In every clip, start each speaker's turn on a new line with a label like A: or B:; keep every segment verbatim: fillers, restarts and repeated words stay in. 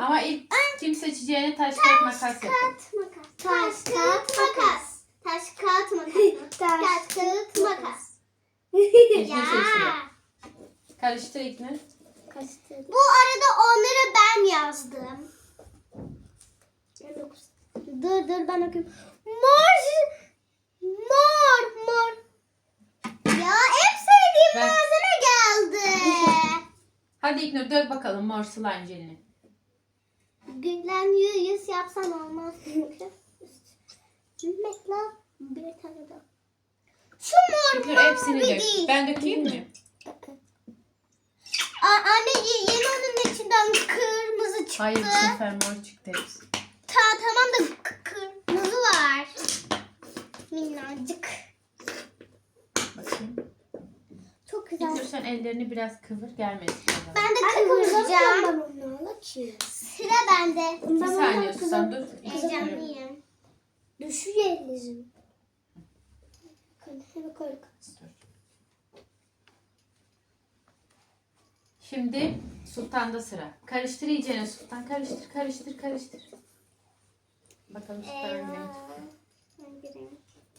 A: Ama ilk kim seçeceğini taş kağıt makas yapın.
B: Taş makas. Taş kağıt makas. Taş kağıt makas. Taş kağıt makas.
A: İlknur seçiyor. Karıştır İlknur.
B: Bu arada onları ben yazdım. Dur dur ben okuyayım. Mor. Mor. Mor. Ya hep sevdiğim
A: Ver.
B: malzeme geldi.
A: Hadi İlknur dök bakalım mor slime jelini.
B: Gülen yüz yapsan olmaz çünkü. Mesela bir tane daha. Şu mor
A: İlknur
B: mavi
A: hepsini dök.
B: değil.
A: Ben dökeyim mi?
B: A- Anne y- yeni onun içinden kırmızı çıktı.
A: Hayır bu sefer mor çıktı hepsi.
B: Ta tamam da k- kırmızı var. Minnacık.
A: Bakayım.
B: Çok güzel.
A: İlknur sen ellerini biraz kıvır gelmesin.
B: Ben de kıvıracağım. Sıra bende.
A: Bir saniye Susan dur.
B: Heyecanlıyım.
C: Düşüyor elinizin. Hemen koy.
A: Şimdi Sultan'da sıra. Karıştır iyicene Sultan. Karıştır, karıştır, karıştır. Bakalım Sultan ne?
B: Eyvah. Ben gireyim.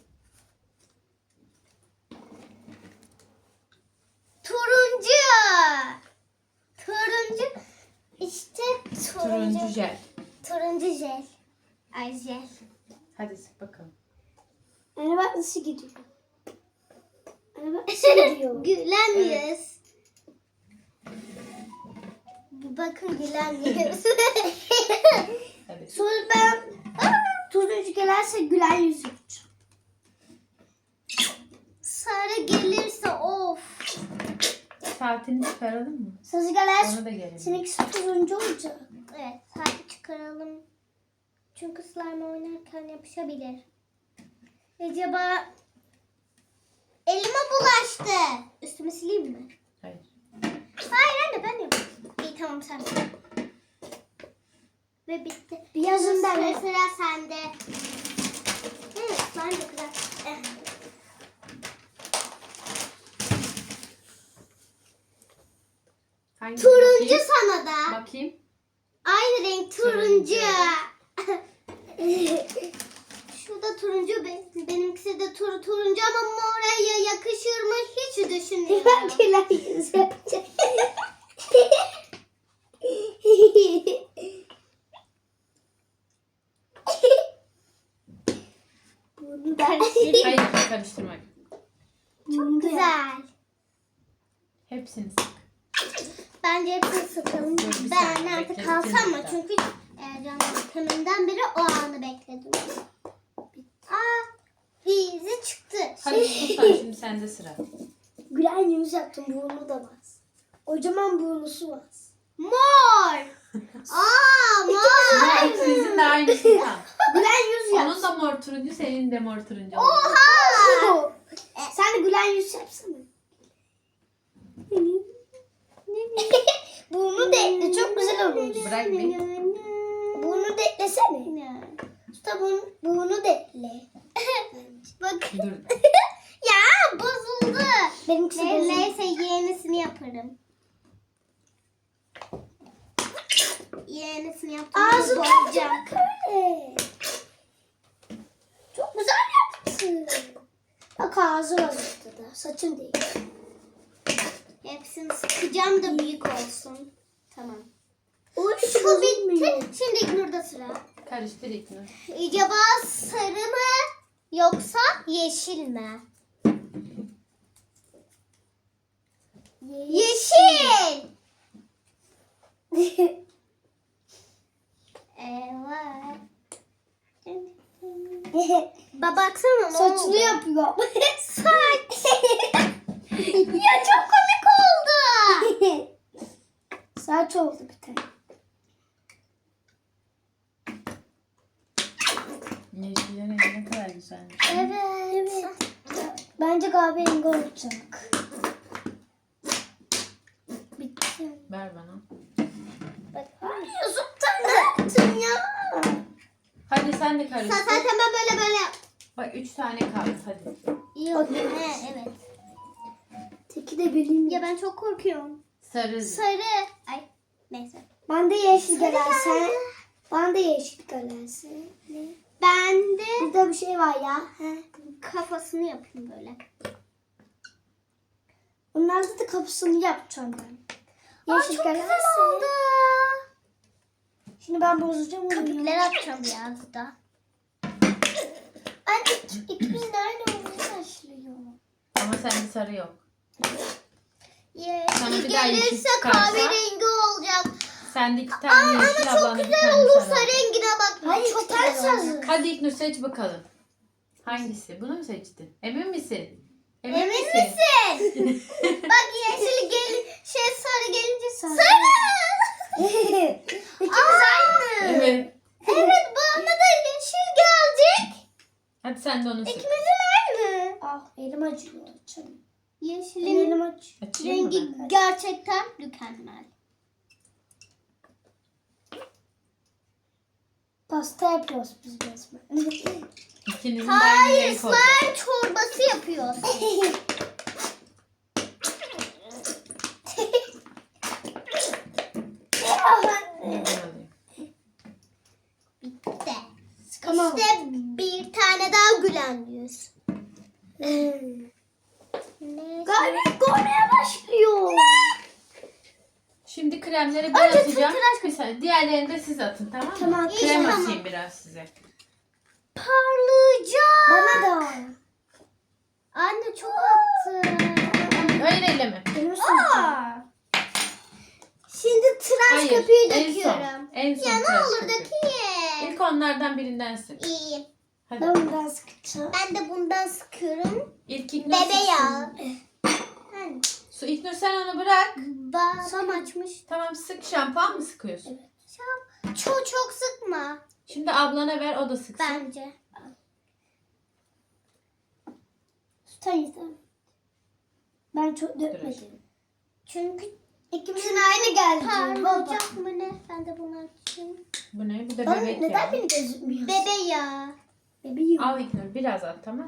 B: Turuncu. Turuncu. İşte turuncu.
A: Turuncu jel.
B: Turuncu jel. Ay jel.
A: Hadi sık bakalım.
C: Anne bak nasıl gidiyor. Anne bak nasıl gidiyor.
B: Gülen yüz. Bakın gülen yüz.
A: Hadi.
C: Sonra ben turuncu gelirse gülen yüz yapacağım.
B: Sarı gelirse of.
A: Saatini çıkaralım mı?
C: Sarı gelirse
A: Ona da gelelim.
C: seninkisi turuncu olacak.
B: Evet, saati çıkaralım. Çünkü slime oynarken yapışabilir. Acaba elime bulaştı. Üstümü sileyim mi?
A: Hayır.
B: Hayır anne ben yapayım. İyi tamam sen. Ve bitti.
C: Bir yazın
B: Sıra,
C: derler.
B: sıra sende. Evet slime de güzel. Eh.
A: Hangi
B: Turuncu
A: bakayım?
B: sana da.
A: Bakayım.
B: Aynı renk turuncu.
A: Turuncu.
B: Şurada turuncu be- benimkisi de tur turuncu ama moraya yakışır mı hiç
C: Ben
B: düşünmüyorum.
C: gülen yüz yapacağım. Bunu da
A: Hayır karıştırmak.
B: Çok güzel.
A: Hepsini sık.
B: Bence hepsini sıkalım.
A: Dur, bir
B: Ben
A: saniye,
B: artık
A: bekle,
B: kalsam
A: bitirdim
B: mı?
A: daha.
B: Çünkü Ercan teminden beri o anı bekledim. Aa, izi çıktı.
A: Hadi Sultan şimdi sende sıra.
C: gülen yüz yaptım. Burnu da bas. Kocaman burnusu bas.
B: Mor. Aa, mor.
A: İkinizin de aynı Sultan.
C: Gülen yüz yap.
A: Onun da mor turuncu, senin de mor turuncu oldu.
B: Oha.
C: Sen de gülen yüz yapsana. Burnu da ekle. Çok güzel olur.
A: Bırak bir.
C: Burnu da eklesene. Usta burnu, burnu da ekle.
B: Bak.
A: Dur.
B: Ya bozuldu.
C: Benimkisi
B: Ne-
C: bozuldu.
B: Neyse yenisini yaparım. Yenisini yaptım.
C: Ağzını
B: bozacağım.
C: öyle. Çok güzel yaptın. Bak ağzı var ortada. Saçın değil.
B: Hepsini sıkacağım da büyük olsun. Tamam.
C: Oy,
B: Şu bitti.
C: bozulmuyor.
B: Şimdi İknur'da sıra.
A: Karıştır İlknur.
B: Acaba sarı mı yoksa yeşil mi? Yeşil. Evet. Ba baksana ne
C: Saçını
B: oldu?
C: yapıyor.
B: Saç. Ya çok komik oldu.
C: Saç oldu bir tane.
A: Yeşillerin rengi ne kadar güzelmiş.
B: Evet.
C: Evet. Bence kahverengi olacak. Bitti.
A: Ver bana.
C: Bak. Sultan ya.
A: Hadi sen de
B: Sen
A: karıştır.
B: zaten ben böyle böyle yap.
A: Bak üç tane kaldı hadi.
B: İyi oldu. He, evet.
C: Teki de bileyim.
B: Ya ben çok korkuyorum.
A: Sarı.
B: Sarı. Ay neyse.
C: Ben de yeşil
B: Sarı
C: galerse.
B: geldi.
C: Ben de yeşil galerse.
B: Ben de
C: Burada bir şey var ya. He.
B: kafasını yapayım böyle.
C: Bunlarda da kapısını yapacağım ben.
B: Aa,
C: Yeşil
B: çok
C: galerse.
B: güzel oldu.
C: Şimdi ben bozacağım onu.
B: Köpükleri atacağım biraz da.
C: Anne ikimiz de aynı olmayı başlıyor.
A: Ama sende sarı yok.
B: Yeşil
A: Sana bir daha yeşil
B: gelirse
A: çıkarsa-
B: kahverengi olacak.
A: Sende iki
B: Aa,
A: tane
B: ama
A: yeşil,
B: çok
A: ablanda bir
B: güzel
A: tane
B: olursa
A: sarı.
B: rengine bak.
C: Hayır,
B: çok
C: ters
B: güzel
C: yazı.
B: olacak.
A: Hadi İlknur seç bakalım. Hangisi? Bunu mu seçtin? Emin misin? Emin,
B: Emin
A: misin?
B: misin? Bak yeşil gel şey sarı gelince sarı.
C: İkimiz aynı.
A: Evet.
B: Evet bana da yeşil gelecek.
A: Hadi sen de onu seç.
B: İkimizin aynı.
C: Ah elim acıyor. Açalım.
B: Yeşilin
C: Elim acıyor.
A: Açayım mı
B: rengi
A: ben?
B: gerçekten mükemmel.
C: Pasta yapıyoruz biz resmen.
A: İkinizin de aynı
B: Hayır
A: renk olacak.
B: slime çorbası yapıyoruz.
A: Ben alayım.
B: De.
C: Tamam.
B: İşte bir tane daha gülen yüz. Ne?
C: Galiba görmeye başlıyor.
A: Şimdi kremleri ben
B: Önce
A: atacağım.
B: tıraş-
A: Bir saniye. Diğerlerini de siz atın, tamam mı?
C: Tamam.
A: Krem
B: Tamam.
A: atayım biraz size.
B: Parlayacak.
C: Bana da.
B: Anne çok attı.
A: Hayır, elleme.
C: Benim
B: Aa. Şimdi tıraş
A: Hayır.
B: köpüğü
A: En son.
B: döküyorum.
A: En son
B: Ya ne
A: tıraş
B: olur
A: köpüğü.
B: dökeyim.
A: İlk onlardan birinden sık.
B: İyi.
A: Hadi.
C: Ben bundan sıkacağım.
B: Ben de bundan sıkıyorum.
A: İlk İlknur
B: Bebe
A: sıksın.
B: ya. Hani
A: Su İlknur sen onu bırak.
B: Basam açmış.
A: Tamam, sık. Şampuan mı sıkıyorsun?
B: Çok, çok çok sıkma
A: Şimdi ablana ver, o da sıksın.
B: bence.
C: Tutan yeter. Ben çok dökmedim.
B: Çünkü
C: İkimizin aynı geldi.
B: parlayacak mı ne? Ben de bunu açayım.
A: Bu ne? Bu da
C: Bana
A: bebek
C: neden
A: ya.
C: beni gözükmüyor?
B: Bebe ya.
C: Bebeğim.
A: Al İlknur, biraz at, tamam.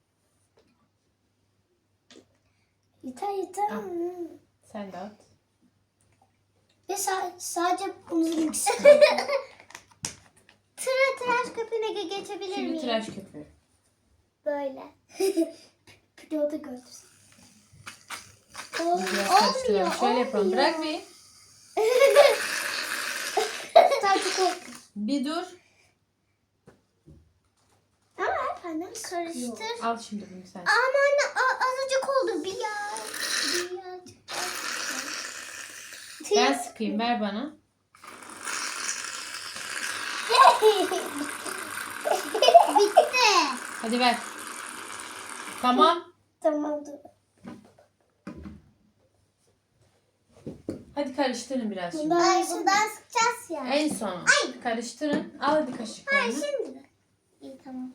C: Yeter yeter.
A: Al. Sen de at.
C: Ve sa- sadece bunun ikisi.
B: Tıra tıraş köpüğüne ge- geçebilir
A: Şimdi
B: miyim?
A: tıraş köpüğü.
B: Böyle.
C: Bir de o da gördü.
B: Ol-
A: Biraz
B: olmuyor.
A: karıştıralım. Şöyle yapalım.
B: olmuyor.
A: Bırak bir.
C: Sadece korktum.
A: Bir dur.
C: Ama efendim
B: Karıştır.
A: Al şimdi bunu sen.
B: Ama anne a- azıcık oldu. Bir ya. Birazcık daha.
A: Ben sıkayım, ver bana.
B: Bitti.
A: Hadi ver. Tamam.
C: Tamamdır.
A: Hadi karıştırın biraz şimdi.
C: Bundan
B: Ay bundan sıkacağız ya.
A: En son. Karıştırın. Al hadi
B: Ay
A: kaşıklarını.
B: şimdi de. İyi tamam.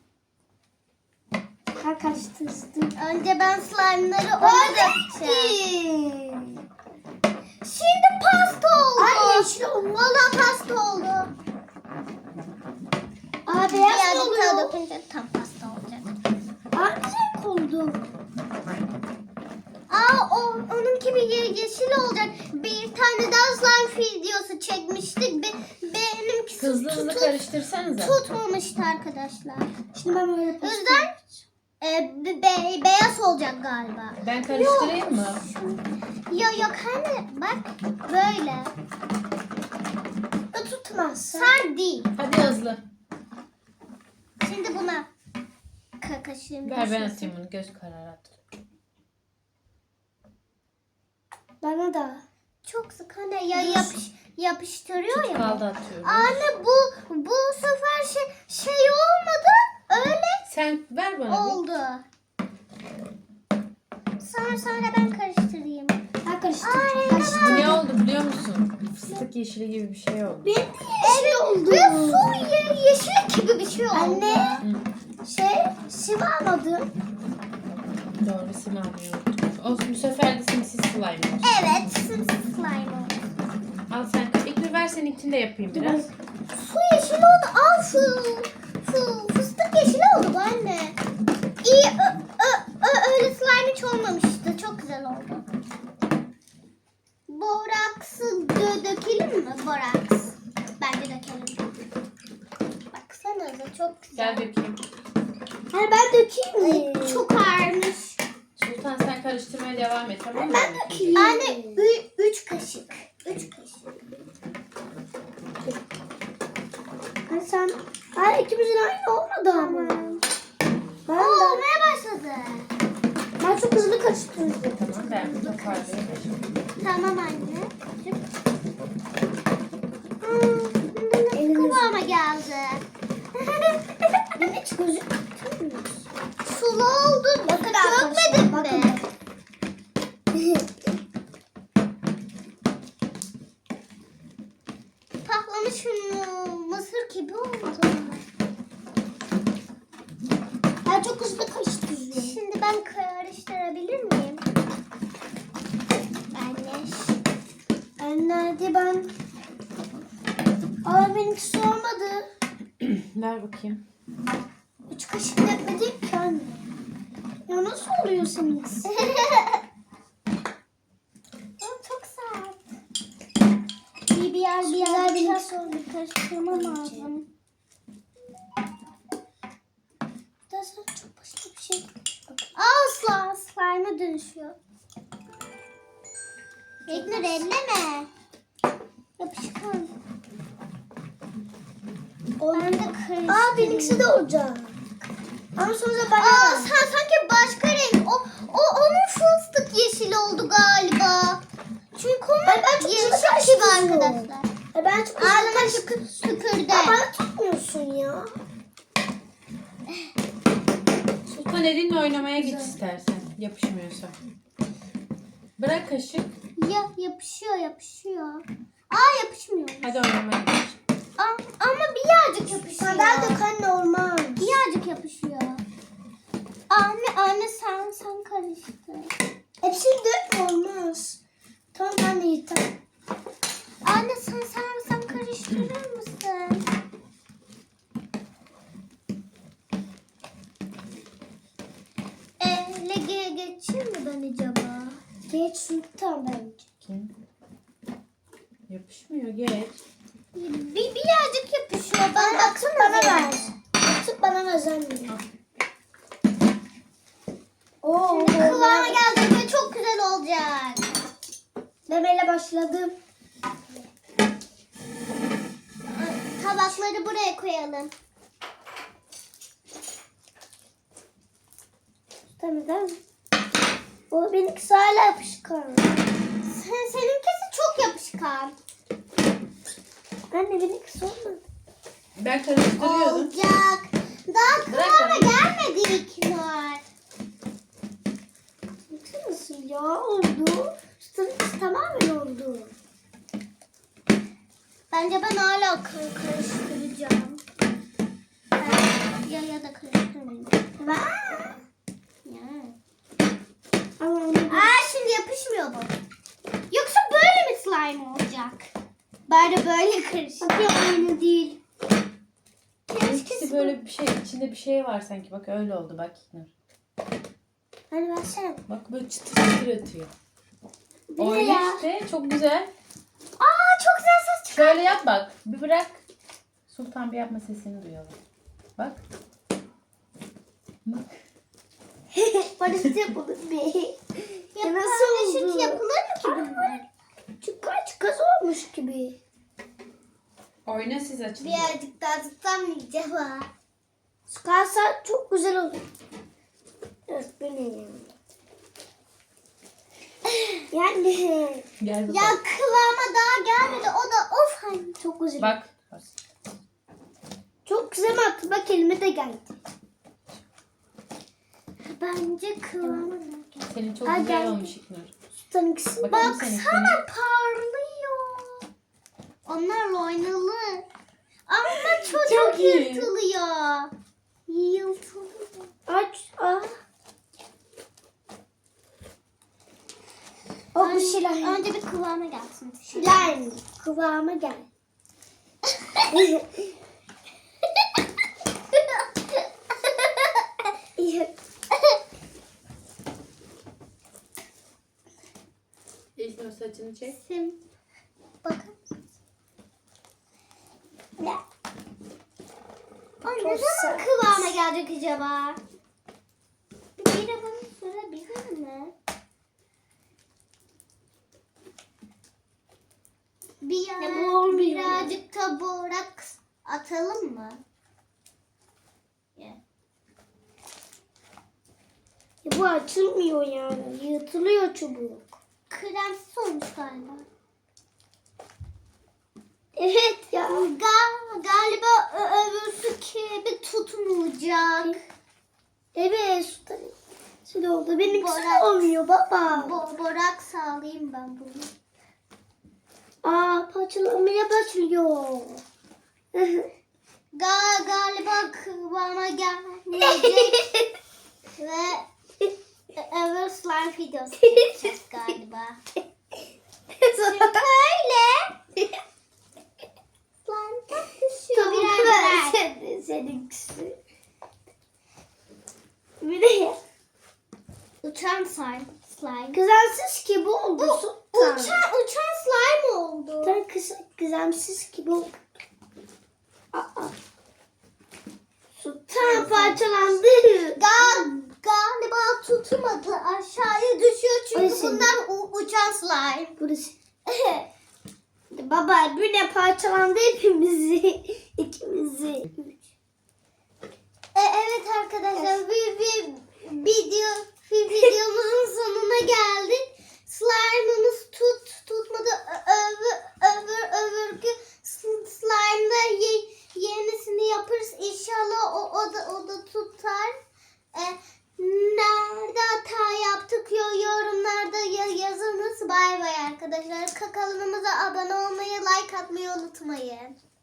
C: ha karıştırdım.
B: Önce ben slime'ları ona dökeceğim. Şimdi pasta oldu.
C: Ay, yeşil oldu.
B: Valla pasta oldu.
C: Aa beyaz mı
B: Birazcık
C: oluyor?
B: daha dökünce tam pasta olacak.
C: Aa güzel oldu.
B: Aa o onunki bir ye- yeşil olacak. Bir tane daha slime videosu çekmiştik. Be, benimkisi
A: Hızlı hızlı
B: tutu-
A: karıştırsanıza.
B: tutmamıştı arkadaşlar.
C: Şimdi ben böyle
B: O yüzden e, be- be- beyaz olacak galiba.
A: Ben karıştırayım mı?
B: Ya yok hani bak böyle.
C: da tutmaz.
B: Sar değil.
A: Hadi hızlı.
B: Şimdi buna ka- kaşığım.
A: Ver ben
B: düşmesin.
A: atayım bunu. Göz kararı at.
C: Bana da.
B: Çok sık hani ya yapış, yapıştırıyor ya.
A: Kaldı atıyorum.
B: Anne bu bu sefer şey şey olmadı. Öyle
A: Sen ver bana bir.
B: oldu. Sonra sonra ben karıştırayım.
C: Ha karıştırdım.
B: Ay,
C: Karıştırdım.
A: Bu ne oldu biliyor musun? Fıstık yeşili gibi bir şey oldu.
C: Benim de yeşil oldu.
B: Ve su ye, yeşil gibi bir şey oldu.
C: Anne.
A: Hı.
C: Şey sim almadım.
A: Doğru, sim almayı unuttuk. Olsun, bu sefer de simsiz slime olsun.
B: Evet, simsiz slime oldu.
A: Al sen. İlknur ver, seninkini de yapayım biraz.
B: Su yeşil oldu. Al fı, fı, fıstık yeşil oldu bu anne. İyi, ö, ö, ö, öyle slime hiç olmamıştı. Çok güzel oldu. Boraks boraksı dö dökelim mi? Boraks. Bence dökelim. Baksana da çok güzel.
A: Gel dökeyim.
C: Hani ben dökeyim mi?
B: Çok ağırmış.
A: Sultan sen karıştırmaya devam et tamam mı?
C: Ben dökeyim.
B: Anne ü- üç kaşık. Üç kaşık.
C: Hani sen... Hayır ikimizin aynı olmadı ama. Ben,
B: Oo,
C: de,
B: olmaya başladı.
C: ben çok hızlı karıştırdım.
A: Tamam ben bu toparlayayım.
B: Tamam anne.
C: Elimiz-
B: Kıvama geldi.
C: Benim hiç gözüm...
B: Sulu oldu.
C: Bakın
B: Dökmedin
C: bakın.
B: mi? Patlamış mı? Mısır gibi oldu.
C: Ben çok hızlı karıştırıyorum.
B: Şimdi ben karıştırabilir miyim? Anne.
C: Ben nerede ben? Aa benimkisi olmadı.
A: Ver bakayım.
C: Üç kaşık dökmedik ki anne. Ya nasıl oluyor seninkisi?
B: Aa, çok sert. Bir bir yer bir yer bir yer sonra bir karıştırmam lazım.
C: Daha sonra çok başka bir şey.
B: Asla slime'a dönüşüyor. Bekle elleme. Yapışkan. Ben de karıştırayım.
C: Aa benimkisi de olacak. Ama sonra bana
B: Aa
C: ver.
B: sen sanki başka renk. O, o onun fıstık yeşili oldu galiba. Çünkü onun
C: Ay, ben çok
B: yeşil
C: hızlı
B: gibi
C: karıştırıyorum.
B: arkadaşlar.
C: Ay, ben çok hızlı
B: Ağzına
C: karıştırdım.
B: tükür, tükürdü.
C: Ya bana tutmuyorsun ya.
A: Sultan elinle oynamaya geç istersen. Yapışmıyorsa. Bırak kaşık.
B: Ya yapışıyor yapışıyor. Aa yapışmıyor.
A: Hadi oynamaya geç.
B: Aa, ama birazcık yapışıyor.
C: Kadar dök anne olmaz.
B: Birazcık yapışıyor. Anne anne sen sen karıştır.
C: Hepsini dökme olmaz. Tamam ben de yeter.
B: Anne sen sen sen karıştırır mısın? Ele ge geçeyim mi ben acaba?
C: Geç sultan bence.
A: Kim? Yapışmıyor geç.
B: Bir birazcık yapışıyor. Ben
C: Bana atıp
B: baksana
C: bana
B: bir.
C: ver. Atıp bana ver anne. Oo,
B: Kıvama geldi ve çok güzel olacak.
C: Demeyle başladım.
B: Tabakları buraya koyalım.
C: Tamam tamam. O benimkisi hala yapışkan.
B: Sen, seninkisi çok yapışkan.
C: Anne benimkisi olmadı.
A: Ben karıştırıyordum.
B: Olacak. Daha
A: Bırak
B: kıvama
A: onu.
B: gelmedik var.
C: Bakar mısın ya oldu. Üstünkisi tamamen oldu.
B: Bence ben hala kar- karıştıracağım. Ben- Ya ya da karıştırmayayım.
C: Ben...
B: Ya.
C: Ama onu
B: Aa şimdi yapışmıyor bu. Yoksa böyle mi slime olacak? Bari böyle karıştır.
C: Bakıyor aynı değil.
A: İkisi böyle bir şey, içinde bir şey var sanki. Bak öyle oldu bak Nur.
C: Hani versene.
A: Bak böyle çıtır çıtır atıyor.
C: Bu ne
A: Oyna
C: ya?
A: işte çok güzel.
B: Aa çok güzel ses çıkıyor.
A: Şöyle yap bak. Bir bırak. Sultan bir yapma sesini duyalım. Bak. Bak.
C: Barışta yapılır bir. Ya
B: Nasıl
C: nasıl
B: süt
C: oldu?
B: yapılır mı ki bunlar?
C: Çıkar çıkaz olmuş gibi.
A: Oyna siz açın.
B: Birazcık daha tutamayacağım ha.
C: Çıkarsa çok güzel olur. Evet benim. Yani
A: Gel
B: Ya
A: bakalım.
B: kıvama daha gelmedi. O da of hani.
C: çok güzel.
A: Bak. Bak.
C: Çok güzel mi attı? Bak elime de geldi.
B: Bence kıvama daha geldi.
A: Senin çok
C: Ay,
A: güzel
C: geldi.
A: olmuş İknur.
C: Sultan ikisi.
A: Bakalım senin.
B: Baksana parlıyor. Onlarla oynanır. Ama çok,
A: Çok
B: çok
A: iyi.
B: yırtılıyor. Yırtılıyor.
C: Aç. Ah. O bu şilan.
B: Önce bir kıvama gelsin.
C: Şilan. Kıvama gel.
A: İlk Nur saçını çek.
B: Sim.
C: Ne?
B: Ay,
C: Çok
B: ne zaman
C: sert.
B: kıvama gelecek acaba? Bir de bana sorabilir mi? Bir
C: Ne
B: yana
C: bu olmuyor?
B: birazcık da boraks atalım mı? Yeah.
C: Ya bu açılmıyor yani. Yırtılıyor çubuk.
B: Kremsiz olmuş galiba.
C: Evet ya.
B: Ga- galiba ö- öbürsü gibi tutmayacak.
C: Evet sultan. Şöyle oldu. Benimkisi
B: Borak.
C: de olmuyor baba.
B: Bo borak sağlayayım ben bunu.
C: Aa parçalanmaya başlıyor.
B: Ga galiba kıvama gelmeyecek ve öbür slime videosu çekeceğiz galiba. Çünkü öyle. Slime çok düşüyor.
C: Tavuk
B: Biraz
C: ver
B: ver.
C: sen, seninkisi. Bir de
B: Uçan slime. slime.
C: kızamsız gibi oldu
B: Bu
C: sultan.
B: uçan, uçan slime oldu.
C: Sultan kız, kızamsız gibi oldu. Aa. Sultan parçalandı.
B: Ga galiba tutmadı. Aşağıya düşüyor çünkü
C: Ay, senin-
B: bundan u- uçan slime.
C: Burası. Baba bu ne parçalandı hepimizi. İkimizi.
B: E, evet arkadaşlar bir, bir video bir videomuzun sonuna geldik. Slime'ımız tut tutmadı. Ö- Öbür öbür öbürkü s- slime'da ye, yenisini yaparız. İnşallah o, o da o da tutar. E, nerede hata yaptık yo yorumlarda ya, yazınız. Bay bay arkadaşlar. Kanalımıza abone olmayı, like atmayı unutmayın.